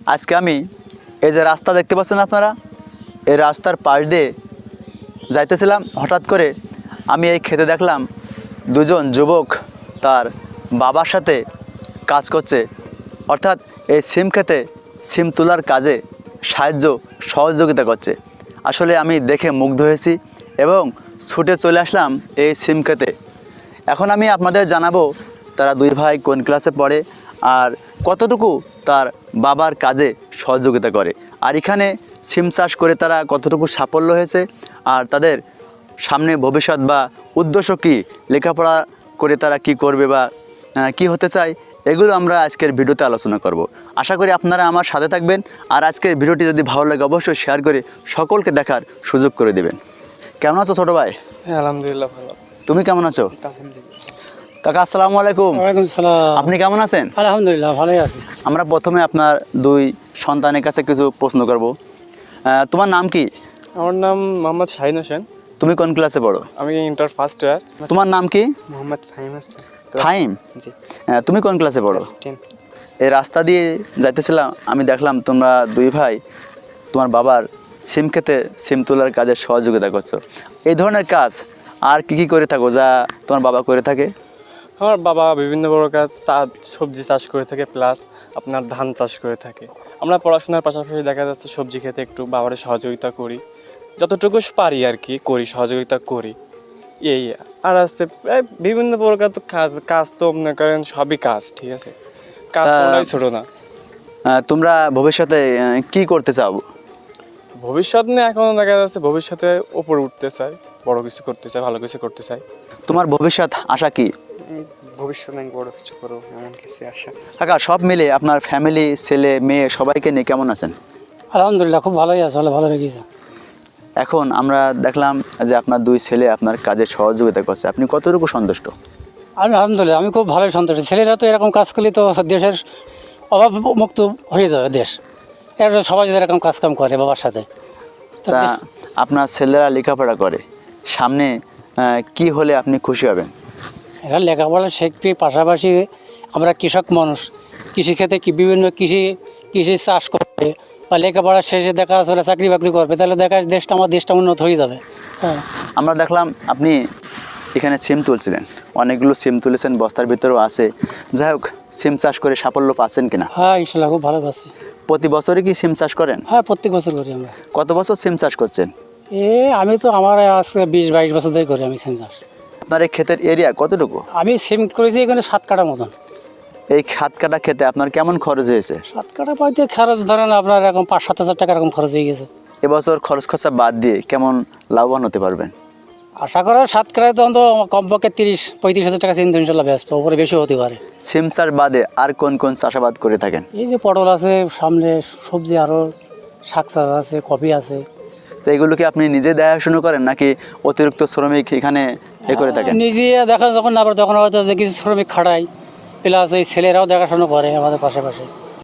আজকে আমি এই যে রাস্তা দেখতে পাচ্ছেন আপনারা, এই রাস্তার পাশ দিয়ে যাইতেছিলাম, হঠাৎ করে আমি এই খেতে দেখলাম দুজন যুবক তার বাবার সাথে কাজ করছে, অর্থাৎ এই সিম খেতে সিম তোলার কাজে সহযোগিতা করছে। আসলে আমি দেখে মুগ্ধ হয়েছি এবং ছুটে চলে আসলাম এই সিম খেতে। এখন আমি আপনাদের জানাবো তারা দুই ভাই কোন ক্লাসে পড়ে আর কতটুকু তার বাবার কাজে সহযোগিতা করে, আর এখানে সিম চাষ করে তারা কতটুকু সাফল্য হয়েছে, আর তাদের সামনে ভবিষ্যৎ বা উদ্দেশ্য কী, লেখাপড়া করে তারা কি করবে বা কি হতে চায়, এগুলো আমরা আজকের ভিডিওতে আলোচনা করব। আশা করি আপনারা আমার সাথে থাকবেন, আর আজকের ভিডিওটি যদি ভালো লাগে অবশ্যই শেয়ার করে সকলকে দেখার সুযোগ করে দেবেন। কেমন আছো ছোটো ভাই? হ্যাঁ, আলহামদুলিল্লাহ ভালো। তুমি কেমন আছো? কাকা আসসালামু আলাইকুম। ওয়ালাইকুম সালাম। আপনি কেমন আছেন? আলহামদুলিল্লাহ ভালোই আছি। আমরা প্রথমে আপনার দুই সন্তানের কাছে কিছু প্রশ্ন করব। তোমার নাম কি? আমার নাম মোহাম্মদ শাহিন হোসেন। তুমি কোন ক্লাসে পড়ো? আমি ইন্টার ফার্স্ট ইয়ার। তোমার নাম কি? মোহাম্মদ ফাহিম হাসান। ফাহিম? জি। তুমি কোন ক্লাসে পড়ো? 10। এই রাস্তা দিয়ে যাইতেছিলাম, আমি দেখলাম তোমরা দুই ভাই তোমার বাবার সিম খেতে সিম তোলার কাজে সহযোগিতা করছো। এই ধরনের কাজ আর কি করে থাকো যা তোমার বাবা করে থাকে? আমার বাবা বিভিন্ন প্রকার সবজি চাষ করে থাকে, প্লাস আপনার ধান চাষ করে থাকে। আমরা পড়াশোনার পাশাপাশি দেখা যাচ্ছে সবজি খেতে একটু বাবার সহযোগিতা করি, যতটুকু পারি আর কি করি, সহযোগিতা করি এই। আর আসছে বিভিন্ন প্রকার তো কাজ তো মনে করেন সবই কাজ, ঠিক আছে, কাজ করাই ছোট না। তোমরা ভবিষ্যতে কি করতে চাও? ভবিষ্যৎ নিয়ে এখনো দেখা যাচ্ছে ভবিষ্যতে উপরে উঠতে চাই, বড় কিছু করতে চাই, ভালো কিছু করতে চাই। তোমার ভবিষ্যৎ আশা কি? ভবিষ্যতে আমি বড় কিছু করবো এমন কিছু আশা। কাকা সব মিলে আপনার ফ্যামিলি, ছেলে মেয়ে সবাইকে নিয়ে কেমন আছেন? আলহামদুলিল্লাহ খুব ভালোই আছে, ভালো রেখেছে। এখন আমরা দেখলাম যে আপনার দুই ছেলে আপনার কাজে সহযোগিতা করছে, আপনি কতটুকু সন্তুষ্ট? আলহামদুলিল্লাহ আমি খুব ভালোই সন্তুষ্ট। ছেলেরা তো এরকম কাজ করলে তো দেশের অভাব মুক্ত হয়ে যাবে দেশ। এরা সবাই যদি এরকম কাজকাম করে বাবার সাথে। তা আপনার ছেলেরা লেখাপড়া করে, সামনে কি হলে আপনি খুশি হবেন? এরা লেখাপড়া শিখবে, পাশাপাশি আমরা কৃষক মানুষ, কৃষিক্ষেত্রে বিভিন্ন কৃষি চাষ করবে বা লেখাপড়া শেষে দেখা আসলে চাকরি বাকরি করবে, তাহলে দেখা আমার দেশটা উন্নত হয়ে যাবে। হ্যাঁ, আমরা দেখলাম আপনি এখানে সিম তুলছিলেন, অনেকগুলো সিম তুলেছেন, বস্তার ভিতরেও আছে। যাই হোক, সিম চাষ করে সাফল্য পাচ্ছেন কিনা? হ্যাঁ ইনশাল্লাহ খুব ভালো পাচ্ছি। প্রতি বছরই কি সিম চাষ করেন? হ্যাঁ প্রত্যেক বছর করি আমরা। কত বছর সিম চাষ করছেন? আমি তো আমার আজকে 20-22 বছর ধরে করি আমি সিম চাষ। আপনার এই ক্ষেতের এরিয়া কতটুকু? আমি সিম করেছি এখানে 7 কাঠা মতন। এই 7 কাঠা খেতে আপনার কেমন খরচ হয়েছে? 7 কাঠা পাইতে খরচ ধরেন আপনার এরকম 5-7 হাজার টাকা এরকম খরচ হয়ে গেছে। এবছর খরচ খরচা বাদ দিয়ে কেমন লাভবান হতে পারবেন? আশা করা 7 কাঠায় তো অন্তত কমপক্ষে 30-35 হাজার টাকা চিন্তা ইনশাল্লাহ ব্যস্ত, ওপরে বেশি হতে পারে। সিম চাষ বাদে আর কোন কোন চাষাবাদ করে থাকেন? এই যে পটল আছে, সামনে সবজি আরও শাক চাষ আছে, কপি আছে। তো এগুলো কি আপনি নিজে দেখাশোনা করেন নাকি অতিরিক্ত শ্রমিক এখানে করে থাকেন? নিজে দেখা যখন না পারে তখন হয়তো যে কিছু শ্রমিক খাটাই, প্লাস এই ছেলেরাও দেখাশোনা করে আমাদের পাশাপাশি।